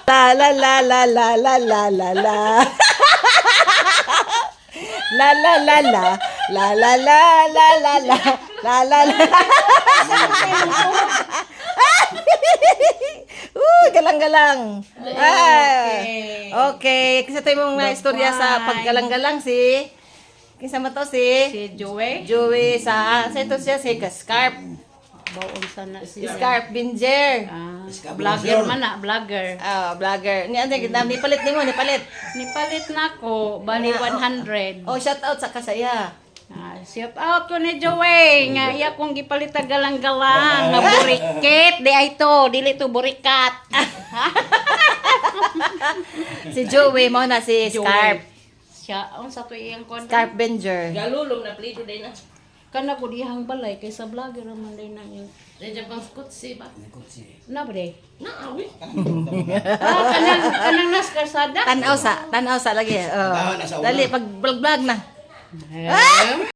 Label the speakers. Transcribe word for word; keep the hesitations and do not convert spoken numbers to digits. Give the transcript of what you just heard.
Speaker 1: La la la la la la la la la. La la la la la la la la la la la la la. Uy, galang-galang. Ah, okay. Kasi ito yung mga istorya sa paggalang-galang si kinsa man to si
Speaker 2: Si Joey.
Speaker 1: Joey sa sa ito siya si Scarp.
Speaker 2: Baon sana siya.
Speaker 1: Scarp Binger.
Speaker 2: Ah, vlogger man na, vlogger.
Speaker 1: Ah, vlogger. Ni ante kita ni palit nimo, ni palit.
Speaker 2: Nipalit na ko, bali one hundred.
Speaker 1: Oh, shout out sa kasaya.
Speaker 2: Ah, shout out ko ni Joey nga iya kong gipalit og galang-galang nga buriket di ay to, dili to burikat.
Speaker 1: Si Joey mo na si Scarp.
Speaker 2: Siya ang sa to iyang kon.
Speaker 1: Scarp Binger.
Speaker 3: Galulong na plido din na.
Speaker 2: Kana ko dihang balay kaysa vlogger man din na yun.
Speaker 3: Diyan pang skutsi ba?
Speaker 2: Na bre.
Speaker 3: Na awi.
Speaker 2: Ah, kanang kanang nas karsada.
Speaker 1: Tanaw sa, tanaw sa lagi. Oh. Dali pag vlog-vlog na.
Speaker 2: Eh,